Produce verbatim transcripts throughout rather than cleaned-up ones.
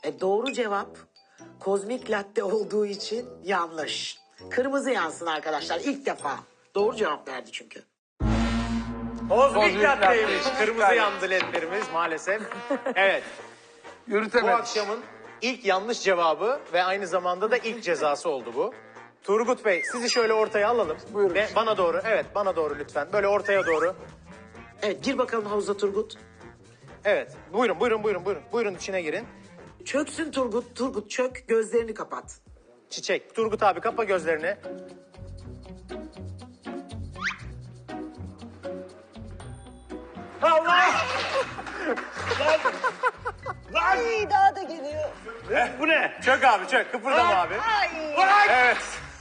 E, doğru cevap kozmik latte olduğu için yanlış. Kırmızı yansın arkadaşlar ilk defa. Doğru cevap verdi çünkü. Kozmik Kozmik latteymiş. latte. Kırmızı yandı ledlerimiz maalesef. Evet. Bu Yürütemedik. akşamın ilk yanlış cevabı ve aynı zamanda da ilk cezası oldu bu. Turgut Bey sizi şöyle ortaya alalım. Buyurun. Ve bana doğru, evet bana doğru lütfen. Böyle ortaya doğru. Evet gir bakalım havuza Turgut. Evet. Buyurun, buyurun, buyurun, buyurun. Buyurun içine girin. Çöksün Turgut. Turgut çök gözlerini kapat. Çiçek. Turgut abi kapa gözlerini. Allah! Ay daha da geliyor. Bu ne? Çök abi çök. Kıpırdama abi. Ay. Evet.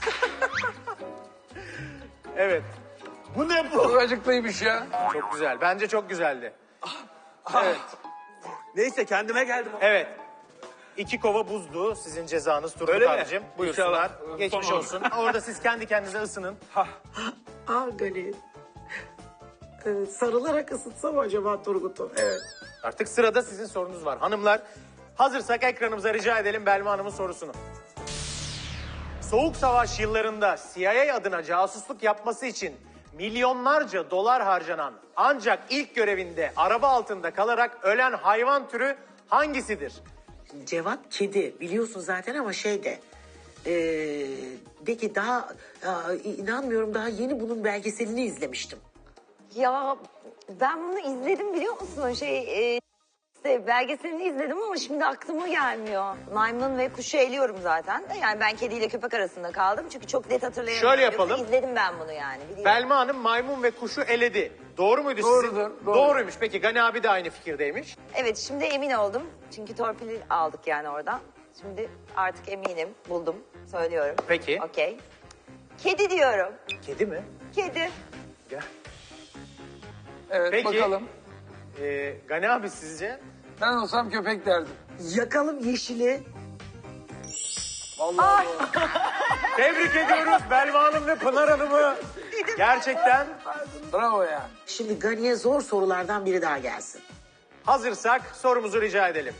Evet. Bu ne bu? Çok acıklıymış ya. Çok güzel. Bence çok güzeldi. Evet. Neyse kendime geldim. Evet. İki kova buzdu sizin cezanız Turgut Öyle mi? abicim. Buyursunlar. İnşallah. Geçmiş Tamam. olsun. Orada siz kendi kendinize ısının. Aa Gani. Evet, sarılarak ısıtsa mı acaba Turgut'u? Evet. Artık sırada sizin sorunuz var. Hanımlar hazırsak ekranımıza rica edelim Belma Hanım'ın sorusunu. Soğuk Savaş yıllarında C I A adına casusluk yapması için milyonlarca dolar harcanan ancak ilk görevinde araba altında kalarak ölen hayvan türü hangisidir? Cevap kedi. Biliyorsun zaten ama şey de. Ee, de ki daha aa, inanmıyorum daha yeni bunun belgeselini izlemiştim. Ya ben bunu izledim biliyor musun? Şey e, işte belgeselini izledim ama şimdi aklıma gelmiyor. Maymun ve kuşu eliyorum zaten de. Yani ben kediyle köpek arasında kaldım. Çünkü çok net hatırlayamıyorum. Şöyle yapalım. Yoksa İzledim ben bunu yani. Biliyorum. Belma Hanım maymun ve kuşu eledi. Doğru muydu sizin? Doğrudur, doğru. Doğruymuş. Peki Gani abi de aynı fikirdeymiş. Evet şimdi emin oldum. Çünkü torpili aldık yani oradan. Şimdi artık eminim. Buldum. Söylüyorum. Peki. Okey. Kedi diyorum. Kedi mi? Kedi. Gel. Evet Peki. bakalım. Ee, Gani abi sizce? Ben olsam köpek derdim. Yakalım yeşili. Vallahi Tebrik ediyoruz Belma Hanım ve Pınar Hanım'ı. Gerçekten bravo ya. Şimdi Gani'ye zor sorulardan biri daha gelsin. hazırsak sorumuzu rica edelim.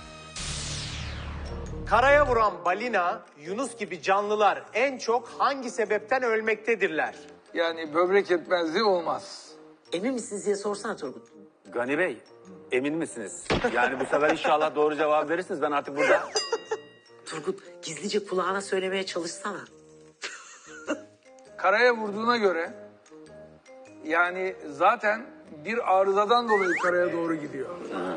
Karaya vuran balina, yunus gibi canlılar en çok hangi sebepten ölmektedirler? Yani böbrek yetmezliği olmaz. Emin misiniz diye sorsana Turgut. Gani Bey, emin misiniz? Yani bu sefer inşallah doğru cevap verirsiniz. Ben artık burada... Turgut gizlice kulağına söylemeye çalışsana. Karaya vurduğuna göre yani zaten bir arızadan dolayı karaya doğru gidiyor.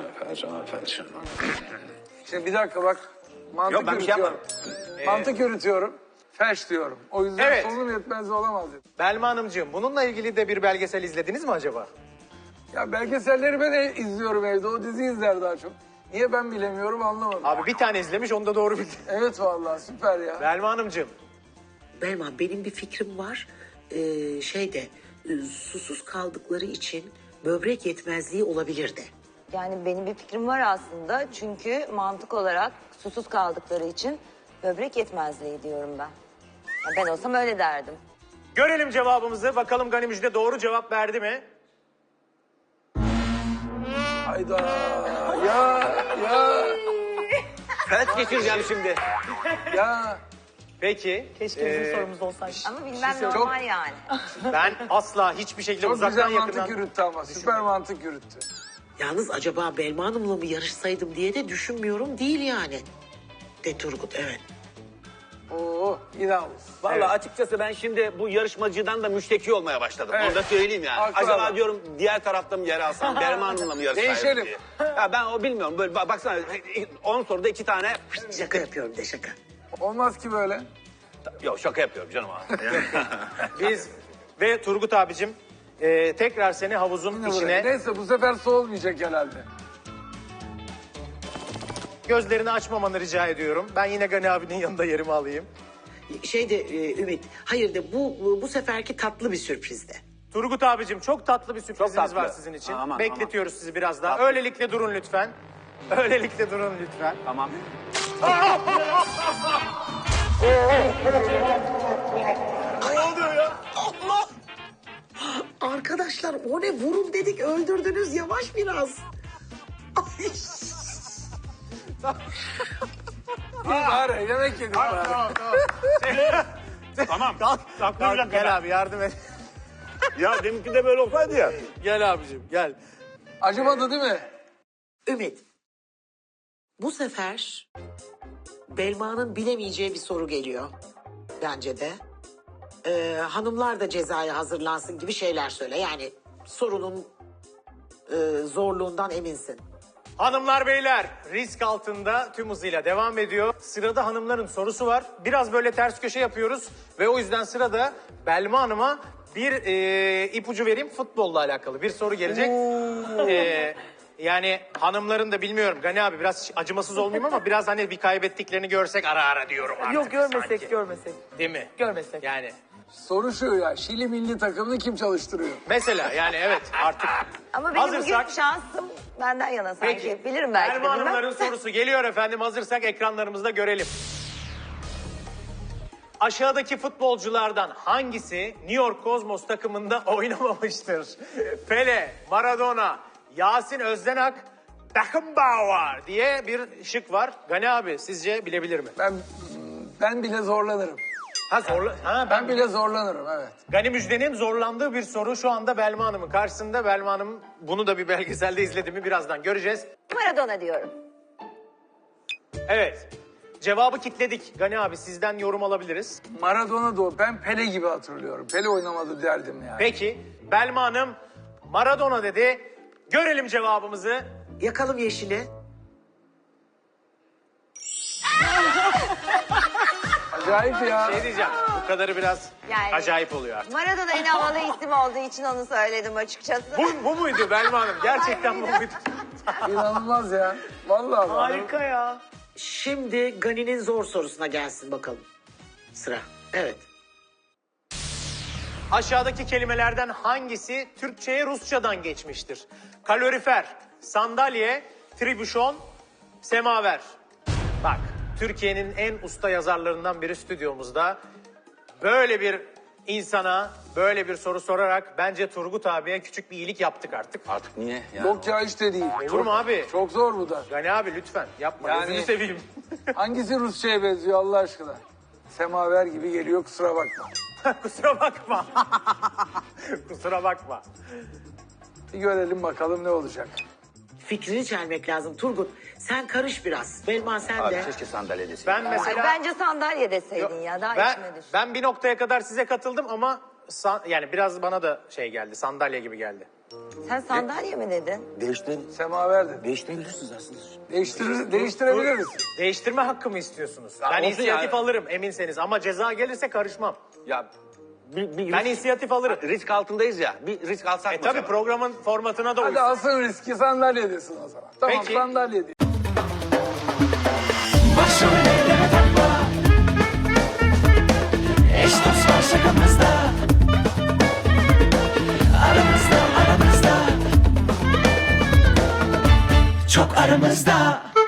Şimdi bir dakika bak. Mantık Yok, ben bir şey yürütüyorum. Mantık yürütüyorum. Feş diyorum. O yüzden Evet. solunum yetmezliği olamaz dedim. Belma Hanımcığım, bununla ilgili de bir belgesel izlediniz mi acaba? Ya belgeselleri ben e- izliyorum evde. O dizi izler daha çok. Niye ben bilemiyorum anlamadım. Abi bir tane izlemiş, onu da doğru bildi. Evet vallahi süper ya. Belma Hanımcığım, Belma benim bir fikrim var. Ee, şeyde e, susuz kaldıkları için böbrek yetmezliği olabilir de. Yani benim bir fikrim var aslında. Çünkü mantık olarak susuz kaldıkları için böbrek yetmezliği diyorum ben. Ya ben olsam öyle derdim. görelim cevabımızı. Bakalım Gani Müjde doğru cevap verdi mi? Hayda. Ya ya Felç geçireceğim şimdi. ya. Peki. Keşke bizim sorumuz olsaydı. Ama bilmem Çok- normal yani. Ben asla hiçbir şekilde Çok uzaktan güzel mantık yakından... yürüttü ama. Süper mantık yürüttü. Yalnız acaba Belma Hanım'la mı yarışsaydım diye de düşünmüyorum değil yani. De Turgut evet. Oo inanılmaz. Vallahi Evet. açıkçası ben şimdi bu yarışmacıdan da müşteki olmaya başladım. Evet. Onu da söyleyeyim yani. Haklı Acaba adam. diyorum diğer tarafta mı yer alsam, Derman Hanım'la mı yarışsaydım Değişelim. diye. Ya ben o bilmiyorum. Böyle ba- baksana on soruda iki tane... Şaka yapıyorum de şaka. Olmaz ki böyle. Yok şaka yapıyorum canım abi. Biz ve Turgut abicim e, tekrar seni havuzun Yine içine buraya. Neyse bu sefer soğulmayacak herhalde. gözlerini açmamanı rica ediyorum. Ben yine Gani abinin yanında yerimi alayım. Şeyde e, Ümit hayır de bu, bu bu seferki tatlı bir sürprizde. Turgut abicim çok tatlı bir sürprizimiz tatlı. var sizin için. Aman, Bekletiyoruz sizi biraz daha. Tatlı. Öylelikle durun lütfen. Öylelikle durun lütfen. Tamam. Arkadaşlar o ne vurun dedik öldürdünüz yavaş biraz. Ay. Bir bari yemek yedik bari. Tamam tamam. Tamam. Kalk, Kalk, kalk, kalk, gel kalk. abi yardım et. Ya deminki de böyle olsaydı ya. Gel abicim gel. Acımadı değil mi? Ümit. Bu sefer Belma'nın bilemeyeceği bir soru geliyor. Bence de. Ee, hanımlar da cezaya hazırlansın gibi şeyler söyle. Yani sorunun e, zorluğundan eminsin. Hanımlar beyler risk altında tüm hızıyla devam ediyor. Sırada hanımların sorusu var. Biraz böyle ters köşe yapıyoruz ve o yüzden sırada Belma Hanım'a bir e, ipucu vereyim, futbolla alakalı bir soru gelecek. E, yani hanımların da bilmiyorum Gani abi biraz acımasız olmayayım ama biraz hani bir kaybettiklerini görsek ara ara diyorum artık. Yok görmesek sanki. görmesek. Değil mi? Görmesek. Yani Soru şu ya, Şili milli takımını kim çalıştırıyor? mesela yani evet artık. Ama benim Hazırsak- bugün şansım benden yana sanki. Bilirim belki de Belma bilmem. Hanımların sorusu geliyor efendim. Hazırsak ekranlarımızda görelim. Aşağıdaki futbolculardan hangisi New York Cosmos takımında oynamamıştır? Pele, Maradona, Yasin Özdenak, Beckenbauer diye bir şık var. Gani abi sizce bilebilir mi? Ben ben bile zorlanırım. Ha zorla. Ha, ben Ben bile zorlanırım evet. Gani Müjde'nin zorlandığı bir soru şu anda Belma Hanım'ın karşısında. Belma Hanım bunu da bir belgeselde izledi mi birazdan göreceğiz. Maradona diyorum. Evet. Cevabı kitledik. Gani abi sizden yorum alabiliriz. Maradona da o. Ben Pele gibi hatırlıyorum. Pele oynamadı derdim yani. Peki Belma Hanım Maradona dedi. Görelim cevabımızı. Yakalım yeşili. Acayip ya. Şey diyeceğim bu kadarı biraz Yani- acayip oluyor artık. Maradona en havalı isim olduğu için onu söyledim açıkçası. Bu, bu muydu Belma Hanım? Gerçekten bu muydu? İnanılmaz ya. Vallahi bak. Harika ya. Şimdi Gani'nin zor sorusuna gelsin bakalım. Sıra. Evet. Aşağıdaki kelimelerden hangisi Türkçe'ye Rusçadan geçmiştir? Kalorifer, sandalye, tribüşon, semaver. Bak Türkiye'nin en usta yazarlarından biri stüdyomuzda. Böyle bir insana böyle bir soru sorarak bence Turgut abiye küçük bir iyilik yaptık artık. Artık niye? Yani Yok ya hiç de değil. Olur mu abi? Çok zor bu da. Gani abi lütfen yapma Yani- gözünü seveyim. Hangisi Rusça'ya benziyor Allah aşkına? Semaver gibi geliyor kusura bakma. Kusura bakma. Kusura bakma. Bir görelim bakalım ne olacak. Fikrini çelmek lazım. Turgut sen karış biraz. Belma sen Abi de. keşke sandalye deseydin. Ben Ay, mesela... bence sandalye deseydin ya daha ben, içime düş. ben bir noktaya kadar size katıldım ama san- yani biraz bana da şey geldi, sandalye gibi geldi. Sen sandalye mi dedin? Değiştirin. Semaver dedi. Değiştirebilirsiniz aslında. Değiştirir, değiştirebiliriz. Değiştirme hakkı mı istiyorsunuz? Ya ben olsun inisiyatif yani. alırım eminseniz ama ceza gelirse karışmam. Ya bir, bir Ben risk, inisiyatif alırım. risk altındayız ya. Bir risk alsak E mı? tabii acaba? programın formatına da Hadi uysun. alsın riski sandalye desin o zaman. Tamam Peki. sandalye de. Başrol eyleme takma. Eş dost var şakamızda. Aramızda aramızda. Çok aramızda.